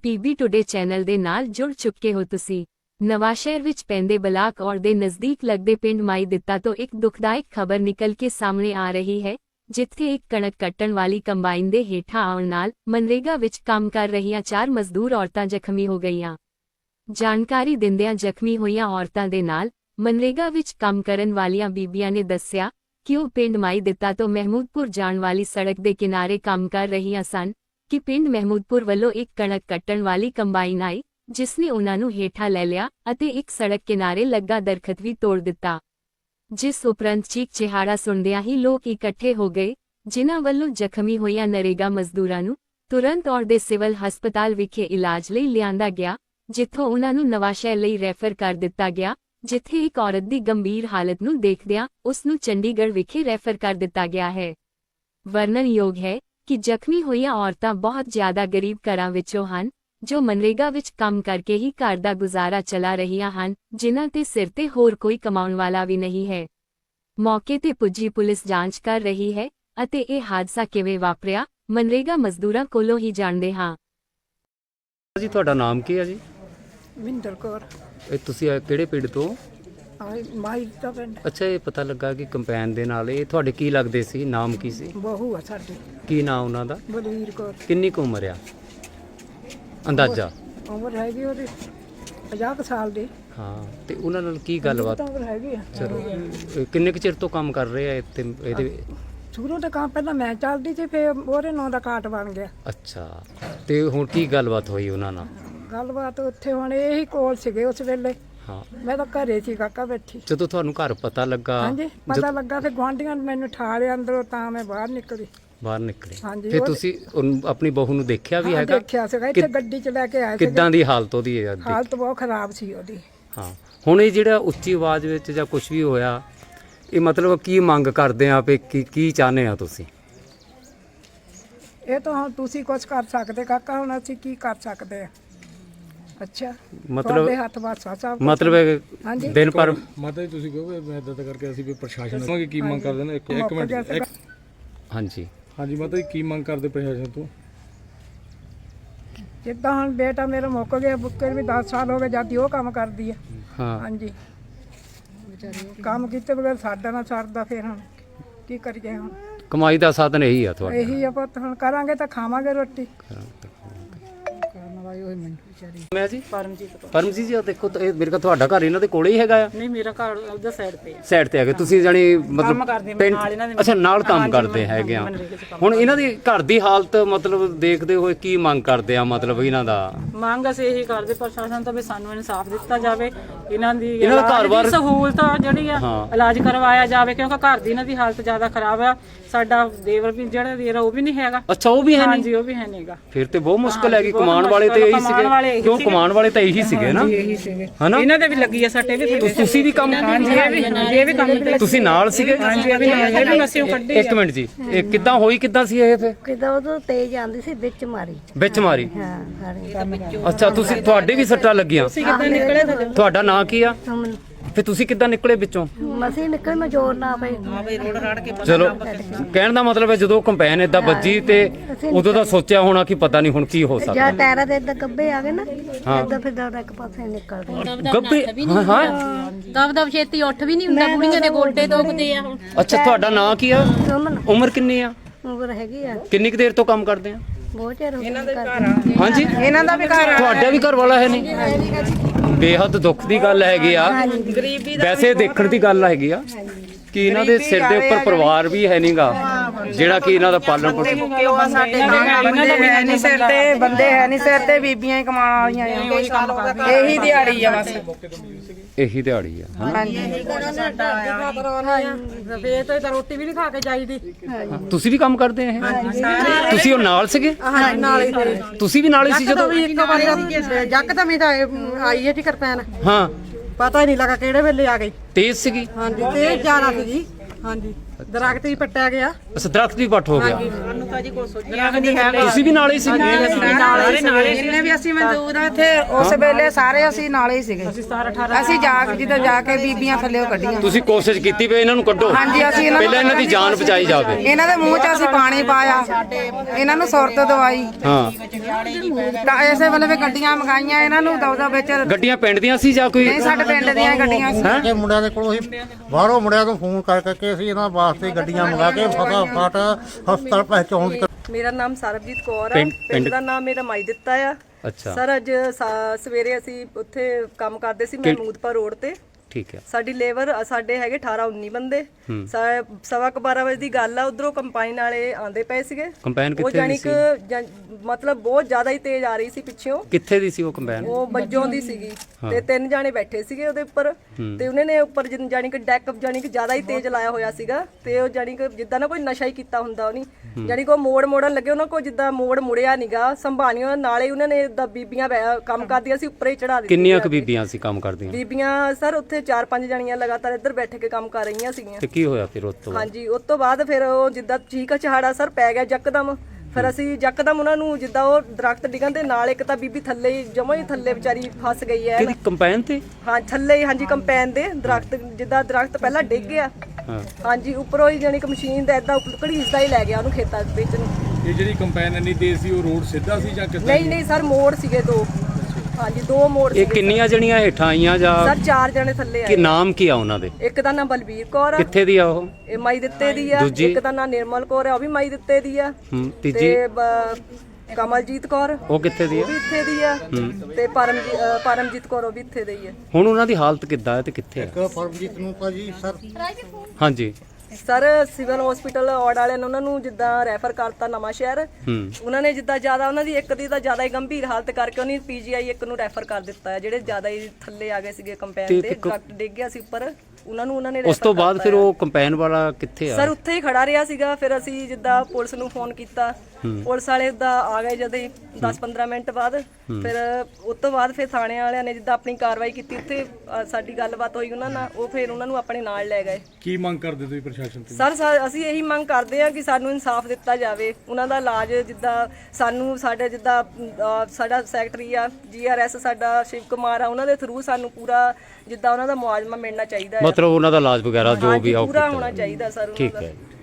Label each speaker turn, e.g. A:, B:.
A: PB today channel ਦੇ ਨਾਲ ਜੁੜ ਚੁੱਕੇ ਹੋ ਤੁਸੀਂ। ਨਵਾਂਸ਼ਹਿਰ ਵਿੱਚ ਪੈਂਦੇ ਬਲਾਕ ਔਰ ਦੇ ਨਜ਼ਦੀਕ ਲੱਗਦੇ ਪਿੰਡ ਮਾਈ ਦਿੱਤਾ ਤੋਂ ਇੱਕ ਦੁਖਦਾਇਕ ਖਬਰ ਨਿਕਲ ਕੇ ਸਾਹਮਣੇ ਆ ਰਹੀ ਹੈ, ਜਿੱਥੇ ਇੱਕ ਕਣਕ ਕੱਟਣ ਵਾਲੀ ਕੰਬਾਈਨ ਦੇ ਹੇਠਾਂ ਆਉਣ ਨਾਲ ਮਨਰੇਗਾ ਵਿੱਚ ਕੰਮ ਕਰ ਰਹੀਆਂ 4 ਮਜ਼ਦੂਰ ਔਰਤਾਂ ਜ਼ਖਮੀ ਹੋ ਗਈਆਂ। ਜਾਣਕਾਰੀ ਦਿੰਦਿਆਂ ਜ਼ਖਮੀ ਹੋਈਆਂ ਔਰਤਾਂ ਦੇ ਨਾਲ ਮਨਰੇਗਾ ਵਿੱਚ ਕੰਮ ਕਰਨ ਵਾਲੀਆਂ ਬੀਬੀਆਂ ਨੇ ਦੱਸਿਆ ਕਿ ਉਹ ਪਿੰਡ ਮਾਈ ਦਿੱਤਾ ਤੋਂ ਮਹਿਮੂਦਪੁਰ ਜਾਣ ਵਾਲੀ ਸੜਕ ਦੇ ਕਿਨਾਰੇ ਕੰਮ ਕਰ ਰਹੀਆਂ ਸਨ ਕਿ ਪਿੰਡ ਮਹਿਮੂਦਪੁਰ ਵੱਲੋਂ ਇੱਕ ਕਣਕ ਕੱਟਣ ਵਾਲੀ ਕੰਬਾਈਨ ਆਈ, ਜਿਸ ਨੇ ਉਨ੍ਹਾਂ ਨੂੰ ਹੇਠਾਂ ਲੈ ਲਿਆ ਅਤੇ ਇੱਕ ਸੜਕ ਕਿਨਾਰੇ ਲੱਗਾ ਦਰਖਤ ਵੀ ਤੋੜ ਦਿੱਤਾ, ਜਿਸ ਉਪਰੰਤ ਚੀਕ ਚਿਹਾੜਾ ਸੁਣਦਿਆਂ ਹੀ ਲੋਕ ਇਕੱਠੇ ਹੋ ਗਏ, ਜਿਨ੍ਹਾਂ ਵੱਲੋਂ ਜ਼ਖਮੀ ਹੋਈਆਂ ਨਰੇਗਾ ਮਜ਼ਦੂਰਾਂ ਨੂੰ ਤੁਰੰਤ ਔਰ ਦੇ ਸਿਵਲ ਹਸਪਤਾਲ ਵਿਖੇ ਇਲਾਜ ਲਈ ਲਿਆਂਦਾ ਗਿਆ, ਜਿੱਥੋਂ ਉਨ੍ਹਾਂ ਨੂੰ ਨਵਾਂਸ਼ਹਿਰ ਲਈ ਰੈਫਰ ਕਰ ਦਿੱਤਾ ਗਿਆ, ਜਿੱਥੇ ਇੱਕ ਔਰਤ ਦੀ ਗੰਭੀਰ ਹਾਲਤ ਨੂੰ ਦੇਖਦਿਆਂ ਉਸ ਨੂੰ ਚੰਡੀਗੜ੍ਹ ਵਿਖੇ ਰੈਫਰ ਕਰ ਦਿੱਤਾ ਗਿਆ ਹੈ। ਵਰਣਨਯੋਗ ਹੈ ਕਿ ਜ਼ਖਮੀ ਹੋਈਆਂ ਔਰਤਾਂ ਬਹੁਤ ਜ਼ਿਆਦਾ ਗਰੀਬ ਘਰਾਂ ਵਿੱਚੋਂ ਹਨ, ਜੋ ਮਨਰੇਗਾ ਵਿੱਚ ਕੰਮ ਕਰਕੇ ਹੀ ਘਰ ਦਾ ਗੁਜ਼ਾਰਾ ਚਲਾ ਰਹੀਆਂ ਹਨ, ਜਿਨ੍ਹਾਂ ਤੇ ਸਿਰ ਤੇ ਹੋਰ ਕੋਈ ਕਮਾਉਣ ਵਾਲਾ ਵੀ ਨਹੀਂ ਹੈ। ਮੌਕੇ ਤੇ ਪੁੱਜੀ ਪੁਲਿਸ ਜਾਂਚ ਕਰ ਰਹੀ ਹੈ ਅਤੇ ਇਹ ਹਾਦਸਾ ਕਿਵੇਂ ਵਾਪਰਿਆ, ਮਨਰੇਗਾ ਮਜ਼ਦੂਰਾਂ ਕੋਲੋਂ ਹੀ ਜਾਣਦੇ ਹਾਂ।
B: ਜੀ ਤੁਹਾਡਾ ਨਾਮ ਕੀ ਹੈ ਜੀ?
C: ਮਿੰਦਰ ਕੌਰ।
B: ਇਹ ਤੁਸੀਂ ਕਿਹੜੇ ਪਿੰਡ ਤੋਂ?
C: ਮਾਈ ਦਾ ਪਿੰਡ।
B: ਅੱਛਾ, ਇਹ ਪਤਾ ਲੱਗਾ ਕਿ ਕੰਪੈਨ ਦੇ ਨਾਲ ਇਹ ਤੁਹਾਡੇ ਕੀ ਲੱਗਦੇ ਸੀ? ਨਾਮ ਕੀ ਸੀ?
C: ਬਹੂ ਆ ਸਾਡੀ।
B: ਕੀ ਨਾਮ ਉਹਨਾਂ ਦਾ?
C: ਬਲਵੀਰ ਕੌਰ।
B: ਕਿੰਨੀ ਕੁ ਉਮਰ ਆ ਅੰਦਾਜ਼ਾ?
C: ਉਮਰ ਹੈਗੀ ਉਹਦੀ 50 ਕੁ ਸਾਲ ਦੀ।
B: ਹਾਂ, ਤੇ ਉਹਨਾਂ ਨਾਲ ਕੀ ਗੱਲਬਾਤ?
C: ਉਮਰ ਹੈਗੀ ਆ।
B: ਚਲੋ, ਕਿੰਨੇ ਕੁ ਚਿਰ ਤੋਂ ਕੰਮ ਕਰ ਰਹੇ ਆ ਇੱਥੇ ਇਹਦੇ?
C: ਸ਼ੁਰੂ ਤੋਂ ਕੰਮ ਪਹਿਲਾਂ ਮੈਂ ਚੱਲਦੀ ਸੀ, ਫਿਰ ਉਹਦੇ ਨਾਂ ਦਾ ਕਾਟ ਬਣ ਗਿਆ।
B: ਅੱਛਾ, ਤੇ ਹੁਣ ਕੀ ਗੱਲਬਾਤ ਹੋਈ ਉਹਨਾਂ ਨਾਲ?
C: ਗੱਲਬਾਤ ਉੱਥੇ ਹੁਣ ਇਹੀ ਕੋਲ ਸੀਗੇ ਉਸ ਵੇਲੇ।
B: ਹਾਂ,
C: ਮੈਂ ਤਾਂ ਘਰੇ ਸੀ ਕਾਕਾ ਬੈਠੀ।
B: ਜਦੋਂ ਤੁਹਾਨੂੰ ਘਰ ਪਤਾ ਲੱਗਾ?
C: ਹਾਂਜੀ, ਪਤਾ ਲੱਗਾ ਤੇ ਗੁਆਂਢੀਆਂ ਨੇ ਮੈਨੂੰ ਠਾ ਲਿਆ ਅੰਦਰੋਂ, ਤਾਂ ਮੈਂ ਬਾਹਰ ਨਿਕਲੀ।
B: ਬਾਹਰ ਨਿਕਲੇ?
C: ਹਾਂਜੀ।
B: ਫਿਰ ਤੁਸੀਂ ਆਪਣੀ ਬਹੂ ਨੂੰ ਦੇਖਿਆ ਵੀ ਹੈਗਾ?
C: ਦੇਖਿਆ ਸੀਗਾ, ਇੱਥੇ ਗੱਡੀ 'ਚ ਲੈ ਕੇ ਆਏ ਸੀ।
B: ਕਿੱਦਾਂ ਦੀ ਹਾਲਤ ਉਹਦੀ ਹੈ?
C: ਹਾਲਤ ਬਹੁਤ ਖਰਾਬ ਸੀ ਉਹਦੀ।
B: ਹਾਂ, ਹੁਣ ਇਹ ਜਿਹੜਾ ਉੱਚੀ ਆਵਾਜ਼ ਵਿੱਚ ਜਾਂ ਕੁਝ ਵੀ ਹੋਇਆ, ਇਹ ਮਤਲਬ ਕੀ ਮੰਗ ਕਰਦੇ ਆ ਵੀ ਕੀ ਚਾਹੁੰਦੇ ਆ ਤੁਸੀਂ?
C: ਇਹ ਤਾਂ ਹੁਣ ਤੁਸੀਂ ਕੁਝ ਕਰ ਸਕਦੇ ਕਾਕਾ, ਹੁਣ ਅਸੀਂ ਕੀ ਕਰ ਸਕਦੇ ਆ? ਅੱਛਾ,
B: ਮਤਲਬ
C: ਤੁਹਾਡੇ ਹੱਥ ਵਾਸਾ ਸਾਹਿਬ
B: ਮਤਲਬ
C: ਹਾਂਜੀ।
B: ਦਿਨ ਪਰ
D: ਮਾਤਾ ਜੀ ਤੁਸੀਂ ਕਹੋਗੇ ਮੈਂ ਇਦਾਂ ਕਰਕੇ ਅਸੀਂ ਵੀ ਪ੍ਰਸ਼ਾਸਨ ਤੋਂ ਕੀ ਮੰਗ ਕਰਦੇ ਨੇ? ਇੱਕ ਮਿੰਟ।
B: ਹਾਂਜੀ
D: ਹਾਂਜੀ ਮਾਤਾ ਜੀ, ਕੀ ਮੰਗ ਕਰਦੇ ਪ੍ਰਸ਼ਾਸਨ ਤੋਂ?
C: ਜਿੱਦਾਂ ਹੁਣ ਬੇਟਾ ਮੇਰਾ ਮੁੱਕ ਗਿਆ, ਬੁੱਕੇ ਵੀ 10 ਸਾਲ ਹੋ ਗਏ ਜਦ ਉਹ ਕੰਮ ਕਰਦੀ ਆ।
B: ਹਾਂ,
C: ਹਾਂਜੀ, ਕੰਮ ਕੀਤੇ ਬਗੈਰ ਸਾਡਾ ਨਾ ਸਰਦਾ, ਫਿਰ ਹੁਣ ਕੀ ਕਰੀਏ? ਹੁਣ
B: ਕਮਾਈ ਦਾ ਸਾਧਨ ਇਹੀ ਆ ਤੁਹਾਡਾ?
C: ਇਹੀ ਆ ਪੁੱਤ, ਹੁਣ ਕਰਾਂਗੇ ਤਾਂ ਖਾਵਾਂਗੇ ਰੋਟੀ।
B: ਮੈਂ ਜੀ ਪਰਮਜੀਤ ਜੀ, ਦੇਖੋ ਇਹ ਮੇਰੇ ਕੋਲ ਤੁਹਾਡਾ ਘਰ ਇਹਨਾਂ ਦੇ ਕੋਲੇ ਹੀ ਹੈਗਾ ਆ?
E: ਨਹੀਂ, ਮੇਰਾ ਘਰ ਉਹਦਾ ਸਾਈਡ ਤੇ ਹੈ।
B: ਸਾਈਡ ਤੇ ਹੈਗੇ ਤੁਸੀਂ? ਜਾਨੀ ਮਤਲਬ ਪਿੰਡ? ਅੱਛਾ, ਨਾਲ ਕੰਮ ਕਰਦੇ ਹੈਗੇ ਆ। ਹੁਣ ਇਹਨਾਂ ਦੀ ਘਰ ਦੀ ਹਾਲਤ ਮਤਲਬ ਦੇਖਦੇ ਹੋਏ ਕੀ ਮੰਗ ਕਰਦੇ ਆ? ਮਤਲਬ ਇਹਨਾਂ ਦਾ
E: ਮੰਗ ਅਸੀਂ ਇਹੀ ਕਰਦੇ ਪ੍ਰਸ਼ਾਸਨ ਤੋਂ ਵੀ ਸਾਨੂੰ ਇਨਸਾਫ ਦਿੱਤਾ ਜਾਵੇ, ਇਹਨਾਂ ਦੀ
B: ਘਰ-ਬਾਰ
E: ਸਹੂਲਤ ਜਿਹੜੀ ਆ ਇਲਾਜ ਕਰਵਾਇਆ ਜਾਵੇ, ਕਿਉਂਕਿ ਘਰ ਦੀ ਇਹਨਾਂ ਦੀ ਹਾਲਤ ਜ਼ਿਆਦਾ ਖਰਾਬ ਆ। ਸਾਡਾ ਦੇਵਰ ਵੀ ਜਿਹੜਾ ਦੇਰ ਉਹ ਵੀ ਨਹੀਂ ਹੈਗਾ।
B: ਅੱਛਾ, ਉਹ ਵੀ ਹੈ ਨਹੀਂ?
E: ਹਾਂਜੀ, ਉਹ ਵੀ ਹੈ ਨਹੀਂਗਾ।
B: ਫਿਰ ਤੇ ਬਹੁਤ ਮੁਸ਼ਕਲ ਹੈਗੀ। ਕਮਾਉਣ ਵਾਲੇ ਤੇ ਇਹੀ ਸੀਗੇ, ਕਿਉਂ? ਕਮਾਉਣ ਵਾਲੇ ਤਾਂ ਇਹੀ ਸੀਗੇ ਨਾ, ਹਨਾ?
E: ਇਹਨਾਂ ਦੇ ਵੀ ਲੱਗੀ ਆ ਸੱਟੇ ਵੀ।
B: ਤੁਸੀਂ ਵੀ ਕੰਮ?
E: ਹਾਂਜੀ, ਇਹ ਵੀ ਕੰਮ।
B: ਤੁਸੀਂ ਨਾਲ ਸੀਗੇ?
E: ਹਾਂਜੀ, ਇਹ ਵੀ ਮਸੀਂ ਕੱਢੀ।
B: ਇੱਕ ਮਿੰਟ ਜੀ, ਇਹ ਕਿੱਦਾਂ ਹੋਈ? ਕਿੱਦਾਂ ਸੀ ਇਹ? ਫਿਰ
F: ਕਿਦਾਂ ਉਹ ਤੇਜ਼ ਆਂਦੀ ਸੀ, ਵਿੱਚ ਮਾਰੀ।
B: ਵਿੱਚ ਮਾਰੀ?
F: ਹਾਂ।
B: ਅੱਛਾ, ਤੁਸੀਂ ਤੁਹਾਡੇ ਵੀ ਸੱਟਾਂ ਲੱਗੀਆਂ?
E: ਕਿੱਦਾਂ ਨਿਕਲੇ?
B: ਤੁਹਾਡਾ ਨਾਂ ਕੀ ਆ? ਫਿਰ ਤੁਸੀਂ ਕਿੱਦਾਂ ਨਿਕਲੇ ਵਿੱਚੋਂ?
F: ਮਸੀਂ ਨਿਕਲ, ਮੈਂ ਜ਼ੋਰ ਨਾ ਪਈ।
B: ਚਲੋ, ਕਹਿਣ ਦਾ ਮਤਲਬ ਹੈ ਜਦੋਂ ਕੰਪੈਨ ਏਦਾਂ ਵੱਜੀ ਤੇ ਉਦੋਂ ਦਾ ਸੋਚਿਆ ਹੋਣਾ ਕਿ ਪਤਾ ਨਹੀਂ ਹੁਣ ਕੀ ਹੋ ਸਕਦਾ।
F: ਜਾਂ ਟਾਇਰਾਂ ਦੇ ਇਦਾਂ ਗੱਬੇ ਆ ਗਏ ਨਾ, ਇਦਾਂ ਫਿਰ ਦੌੜਾ ਇੱਕ ਪਾਸੇ ਨਿਕਲ ਗਏ।
B: ਗੱਬੇ? ਹਾਂ,
G: ਦਬ ਛੇਤੀ ਉੱਠ ਵੀ ਨਹੀਂ ਹੁੰਦਾ, ਬੁੜੀਆਂ ਦੇ ਗੋਡੇ ਦੁਖਦੇ ਆ।
B: ਅੱਛਾ, ਤੁਹਾਡਾ ਨਾਂ ਕੀ ਆ?
F: ਸੁਮਨ।
B: ਉਮਰ ਕਿੰਨੀ ਆ?
F: ਉਮਰ ਹੈਗੀ ਆ।
B: ਕਿੰਨੀ ਕੁ ਦੇਰ ਤੋਂ ਕੰਮ ਕਰਦੇ ਆ?
F: ਬਹੁਤ ਚਿਰ ਹੋ ਗਿਆ।
B: ਹਾਂਜੀ, ਇਹਨਾਂ ਦਾ ਵੀ ਘਰ? ਤੁਹਾਡਾ ਵੀ ਘਰ ਵਾਲਾ ਹੈ ਨਹੀਂ? ਬੇਹੱਦ ਦੁੱਖ ਦੀ ਗੱਲ ਹੈਗੀ ਆ। ਵੈਸੇ ਦੇਖਣ ਦੀ ਗੱਲ ਹੈਗੀ ਆ ਕਿ ਇਹਨਾਂ ਦੇ ਸਿਰ ਦੇ ਉੱਪਰ ਪਰਿਵਾਰ ਵੀ ਹੈ ਨਹੀਂਗਾ, ਜਿਹੜਾ ਕਿ ਇਹਨਾਂ ਦਾ ਪਾਲਣ ਪੋਸ਼ਣ।
H: ਨਹੀਂ ਸਿਰ ਤੇ ਬੰਦੇ ਹੈ ਨਹੀਂ, ਸਿਰ ਤੇ ਬੀਬੀਆਂ ਹੀ ਕਮਾਉਣ ਵਾਲੀਆਂ ਆ। ਇਹੀ ਦਿਹਾੜੀ ਆ ਬਸ,
B: ਇਹੀ ਦਿਹਾੜੀ ਆ, ਹਨਾ?
E: ਫੇਰ ਤਾਂ ਰੋਟੀ ਵੀ ਨਹੀਂ ਖਾ ਕੇ ਜਾਈਦੀ।
B: ਤੁਸੀਂ ਵੀ ਕੰਮ ਕਰਦੇ ਆ ਇਹ? ਤੁਸੀਂ ਉਹ ਨਾਲ ਸੀਗੇ?
H: ਨਾਲ ਹੀ
B: ਤੁਸੀਂ ਵੀ ਨਾਲ ਹੀ ਸੀ ਜਦੋਂ?
H: ਇੱਕ ਵਾਰੀ ਜੱਕ ਤਾਂ ਮੈਂ ਤਾਂ ਆਈ ਹੈ ਟਿਕਰ ਪੈਣ,
B: ਹਾਂ,
H: ਪਤਾ ਹੀ ਨਹੀਂ ਲੱਗਾ ਕਿਹੜੇ ਵੇਲੇ ਆ ਗਈ।
B: ਤੇਜ਼ ਸੀਗੀ?
H: ਹਾਂਜੀ, ਤੇ 11 ਸੀ ਜੀ। ਹਾਂਜੀ। ਦਰਖਤ ਹੀ ਪੱਟਿਆ ਗਿਆ।
B: ਅੱਛਾ ਦਰਖਤ ਵੀ ਪੱਟ ਹੋ ਗਿਆ।
H: ਸਾਨੂੰ ਤਾਂ ਜੀ ਕੋਈ ਸੋਚਿਆ ਵੀ ਨਹੀਂ ਹੈਗਾ।
B: ਤੁਸੀਂ ਵੀ ਨਾਲੇ ਸੀ?
H: ਜਿੰਨੇ ਵੀ ਅਸੀਂ ਮਜ਼ਦੂਰ ਆ ਇੱਥੇ ਉਸ ਵੇਲੇ ਸਾਰੇ ਅਸੀਂ ਨਾਲੇ ਹੀ ਸੀਗੇ। ਅਸੀਂ ਜਦੋਂ ਜਾ ਕੇ ਬੀਬੀਆਂ ਥੱਲੇੋਂ ਕੱਢੀਆਂ।
B: ਤੁਸੀਂ ਕੋਸ਼ਿਸ਼ ਕੀਤੀ ਵੀ ਇਹਨਾਂ ਨੂੰ ਕੱਢੋ?
H: ਹਾਂਜੀ ਅਸੀਂ
B: ਪਹਿਲਾਂ ਇਹਨਾਂ ਦੀ ਜਾਨ ਬਚਾਈ ਜਾਵੇ।
H: ਇਹਨਾਂ ਦੇ ਮੂੰਹ 'ਚ ਅਸੀਂ ਪਾਣੀ ਪਾਇਆ, ਇਹਨਾਂ ਨੂੰ ਸੁਰਤ ਦਵਾਈ।
B: ਹਾਂ
H: ਤਾਂ ਇਸੇ ਵੇਲੇ ਵੀ ਗੱਡੀਆਂ ਮੰਗਾਈਆਂ ਇਹਨਾਂ ਨੂੰ ਦੌਦਾ ਵਿੱਚ।
B: ਗੱਡੀਆਂ ਪਿੰਡ ਦੀਆਂ ਸੀ ਜਾਂ ਕੋਈ?
H: ਨਹੀਂ ਸਾਡੇ ਪਿੰਡ ਦੀਆਂ ਗੱਡੀਆਂ ਸੀ।
I: ਇਹ ਮੁੰਡਿਆਂ ਦੇ ਕੋਲੋਂ ਅਸੀਂ ਬਾਹਰੋਂ ਮੁੰਡਿਆਂ ਤੋਂ ਫੋਨ ਕਰਕੇ ਅਸੀਂ ਇਹਨਾਂ ਵਾਸਤੇ ਗੱਡੀਆਂ ਮੰਗਾ ਕੇ ਫਟਾਫਟ ਹਸਪਤਾਲ ਪਹੁੰਚਾਉਣ ਦੀ।
J: ਮੇਰਾ ਨਾਮ ਸਰਬਜੀਤ ਕੌਰ ਆ। ਪਿੰਡ ਦਾ ਨਾਮ ਮੇਰਾ ਮਾਈ ਦਿੱਤਾ ਆ।
B: ਅੱਛਾ
J: ਸਰ ਅੱਜ ਸਵੇਰੇ ਅਸੀਂ ਉੱਥੇ ਕੰਮ ਕਰਦੇ ਸੀ ਮਹਿਮੂਦਪੁਰ ਰੋਡ ਤੇ।
B: ਠੀਕ ਹੈ।
J: ਸਾਡੀ ਲੇਬਰ ਸਾਡੇ ਹੈਗੇ 18-19 ਬੰਦੇ। ਸਵਾ ਕੁ 12 ਵਜੇ ਦੀ ਗੱਲ ਆ। ਉਧਰੋਂ ਕੰਪਾਈਨ ਵਾਲੇ ਆਂਦੇ ਪਏ ਸੀਗੇ।
B: ਕੰਪੈਨ
J: ਉਹ
B: ਕਿੱਥੇ
J: ਜਾਨੀ
B: ਦੀ ਸੀ?
J: ਕਿ ਮਤਲਬ ਬਹੁਤ ਜ਼ਿਆਦਾ ਹੀ ਤੇਜ਼ ਆ ਰਹੀ ਸੀ ਪਿੱਛੋਂ।
B: ਕਿੱਥੇ ਦੀ ਸੀ ਉਹ ਕੰਪੈਨ?
J: ਉਹ ਬੱਜੋਂ ਦੀ ਸੀਗੀ ਤੇ 3 ਜਾਣੇ ਬੈਠੇ ਸੀਗੇ ਉਹਦੇ ਉੱਪਰ ਤੇ ਉਹਨਾਂ ਨੇ ਉੱਪਰ ਜਾਨੀ ਕਿ ਡੈਕ ਜਾਨੀ ਕਿ ਜ਼ਿਆਦਾ ਹੀ ਤੇਜ਼ ਲਾਇਆ ਹੋਇਆ ਸੀਗਾ ਤੇ ਉਹ ਜਾਨੀ ਕਿ ਜਿੱਦਾਂ ਨਾ ਕੋਈ ਨਸ਼ਾ ਹੀ ਕੀਤਾ ਹੁੰਦਾ ਉਹਨੀ ਜਾਨੀ ਕਿ ਉਹ ਮੋੜਨ ਲੱਗੇ ਉਹਨਾਂ ਕੋਲ ਜਿੱਦਾਂ ਮੁੜਿਆ ਨੀਗਾ ਸੰਭਾਣੀਆਂ ਨਾਲੇ ਉਹਨਾਂ ਨੇ ਇਦਾਂ ਬੀਬੀਆਂ ਕੰਮ ਕਰਦੀਆਂ ਸੀ ਉੱਪਰ ਹੀ ਚੜਾ ਦਿੱਤੀ।
B: ਕਿੰਨੀਆਂ ਕੁ ਬੀਬੀਆਂ ਸੀ ਕੰਮ ਕਰਦੀਆਂ?
J: ਬੀਬੀਆਂ ਸਰ ਉੱਥੇ 4-5 ਜਣੀਆਂ ਲਗਾਤਾਰ ਇੱਧਰ ਬੈਠ ਕੇ ਕੰਮ ਕਰ ਰਹੀਆਂ ਸੀਗੀਆਂ।
B: ਤੇ ਕੀ ਹੋਇਆ ਫਿਰ ਉਸ ਤੋਂ?
J: ਹਾਂਜੀ ਉਸ ਤੋਂ ਬਾਅਦ ਫਿਰ ਉਹ ਜਿੱਦਾਂ ਚੀਕਾ ਚਹਾੜਾ ਸਰ ਪੈ ਗਿਆ ਯਕਦਮ। ਫਿਰ ਅਸੀਂ ਯਕਦਮ ਉਹਨਾਂ ਨੂੰ ਜਿੱਦਾਂ ਉਹ ਦਰਖਤ ਡਿੱਗਣ ਦੇ ਨਾਲ ਇੱਕ ਤਾਂ ਬੀਬੀ ਥੱਲੇ ਹੀ ਜਮਾਂ ਹੀ ਥੱਲੇ ਵਿਚਾਰੀ ਫਸ ਗਈ ਹੈ।
B: ਕਿਹਦੀ ਕੰਪੈਨ ਤੇ?
J: ਹਾਂ ਥੱਲੇ ਹੀ ਹਾਂਜੀ ਕੰਪੈਨ ਦੇ ਦਰਖਤ ਜਿੱਦਾਂ ਦਰਖਤ ਪਹਿਲਾਂ ਡਿੱਗ ਗਿਆ। ਹਾਂਜੀ ਉੱਪਰੋਂ ਹੀ ਜਾਨੀ ਕਿ ਮਸ਼ੀਨ ਦਾ ਏਦਾਂ ਘੜੀਸਦਾ ਹੀ ਲੈ ਗਿਆ ਉਹਨੂੰ ਖੇਤਾਂ ਵਿੱਚ ਨੂੰ।
D: ਇਹ ਜਿਹੜੀ ਕੰਪੈਨ ਇੰਨੀ ਤੇਜ਼ ਸੀ ਉਹ ਰੋਡ ਸਿੱਧਾ ਸੀ ਜਾਂ ਕਿੱਦਾਂ?
J: ਨਹੀਂ ਸਰ ਮੋੜ ਸੀਗੇ 2। ਹਾਂਜੀ 2 ਮੋੜ
B: ਇਹ
J: ਸੀਗੇ।
B: ਕਿੰਨੀਆਂ ਜਣੀਆਂ ਹੇਠਾਂ ਆਈਆਂ ਜਾਂ?
J: ਸਰ 4 ਜਣੇ ਥੱਲੇ
B: ਕੀ
J: ਆਏ।
B: ਨਾਮ ਕੀ ਆ ਉਹਨਾਂ ਦੇ?
J: ਇੱਕ ਦਾ ਨਾਮ ਬਲਬੀਰ ਕੌਰ ਆ।
B: ਕਿੱਥੇ ਦੀ ਆ ਉਹ?
J: ਇਹ ਮਾਈ ਦਿੱਤੇ ਦੀ ਆ।
B: ਦੂਜੀ?
J: ਇੱਕ ਦਾ ਨਾਮ ਨਿਰਮਲ ਕੌਰ ਆ ਉਹ ਵੀ ਮਾਈ ਦਿੱਤੇ ਦੀ ਆ।
B: ਤੀਜੀ?
J: ਤੇ ਕਮਲਜੀਤ ਕੌਰ
B: ਉਹ ਕਿੱਥੇ ਦੀ
J: ਉਹ ਵੀ
B: ਹੈ?
J: ਇੱਥੇ ਦੀ ਆ। ਤੇ ਪਰਮਜੀਤ ਕੌਰ ਉਹ ਵੀ ਇੱਥੇ ਦੀ ਆ।
B: ਹੁਣ ਉਹਨਾਂ ਦੀ ਹਾਲਤ ਕਿੱਦਾਂ ਹੈ ਤੇ ਕਿੱਥੇ ਹੈ?
I: ਪਰਮਜੀਤ ਨੂੰ ਭਾਜੀ ਸਰ
B: ਹਾਂਜੀ
J: ਸਰ ਸਿਵਲ ਹਸਪੀਟਲ ਔੜ ਵਾਲਿਆਂ ਨੇ ਉਹਨਾਂ ਨੂੰ ਜਿੱਦਾਂ ਰੈਫਰ ਕਰਤਾ ਨਵਾਂ ਸ਼ਹਿਰ। ਉਹਨਾਂ ਨੇ ਜਿੱਦਾਂ ਜ਼ਿਆਦਾ ਉਹਨਾਂ ਦੀ ਇੱਕ ਦੀ ਤਾਂ ਜ਼ਿਆਦਾ ਹੀ ਗੰਭੀਰ ਹਾਲਤ ਕਰਕੇ ਉਹਨੇ ਪੀਜੀਆਈ ਇੱਕ ਨੂੰ ਰੈਫਰ ਕਰ ਦਿੱਤਾ ਹੈ। ਜਿਹੜੇ ਜ਼ਿਆਦਾ ਹੀ ਥੱਲੇ ਆ ਗਏ ਸੀਗੇ ਕੰਪੈਨ ਤੇ ਟਰੱਕ ਡਿੱਗ ਗਿਆ ਸੀ ਉੱਪਰ ਉਹਨਾਂ ਨੇ
B: ਉਸ ਤੋਂ ਬਾਅਦ ਫਿਰ ਉਹ ਕੰਪੈਨ ਵਾਲਾ ਕਿੱਥੇ ਆ?
J: ਸਰ ਉੱਥੇ ਹੀ ਖੜਾ ਰਿਹਾ ਸੀਗਾ। ਫਿਰ ਅਸੀਂ ਜਿੱਦਾਂ ਪੁਲਿਸ ਨੂੰ ਫੋਨ ਕੀਤਾ ਪੁਲਿਸ ਵਾਲੇ ਦਾ ਆ ਗਏ ਜਦ 10-15 ਮਿੰਟ ਬਾਅਦ। ਫਿਰ ਉਸ ਤੋਂ ਬਾਅਦ ਫਿਰ ਥਾਣੇ ਵਾਲਿਆਂ ਨੇ ਜਿੱਦਾਂ ਆਪਣੀ ਕਾਰਵਾਈ ਕੀਤੀ ਉੱਥੇ ਸਾਡੀ ਗੱਲਬਾਤ ਹੋਈ ਉਹਨਾਂ ਨਾਲ। ਉਹ ਫਿਰ ਉਹਨਾਂ ਨੂੰ ਆਪਣੇ ਨਾਲ ਲੈ ਗਏ।
D: ਕੀ ਮੰਗ ਕਰਦੇ ਤੁਸੀਂ ਪ੍ਰਸ਼ਾਸਨ ਤੋਂ?
J: ਸਰ ਅਸੀਂ ਇਹੀ ਮੰਗ ਕਰਦੇ ਹਾਂ ਕਿ ਸਾਨੂੰ ਇਨਸਾਫ ਦਿੱਤਾ ਜਾਵੇ। ਉਹਨਾਂ ਦਾ ਇਲਾਜ ਜਿੱਦਾਂ ਸਾਨੂੰ ਸਾਡੇ ਜਿੱਦਾਂ ਸਾਡਾ ਸੈਕਟਰੀ ਆ GRS ਸਾਡਾ ਸ਼ਿਵ ਕੁਮਾਰ ਆ ਉਹਨਾਂ ਦੇ ਥਰੂ ਸਾਨੂੰ ਪੂਰਾ ਜਿੱਦਾਂ ਉਹਨਾਂ ਦਾ ਮੁਆਵਜ਼ਾ ਮਿਲਣਾ ਚਾਹੀਦਾ ਹੈ।
B: ਮਤਲਬ ਉਹਨਾਂ ਦਾ ਇਲਾਜ ਵਗੈਰਾ ਜੋ ਵੀ ਆ ਉਹ
J: ਪੂਰਾ ਹੋਣਾ ਚਾਹੀਦਾ ਸਰ ਉਹਨਾਂ
B: ਠੀਕ
J: ਦਾ।
B: ਹੈ।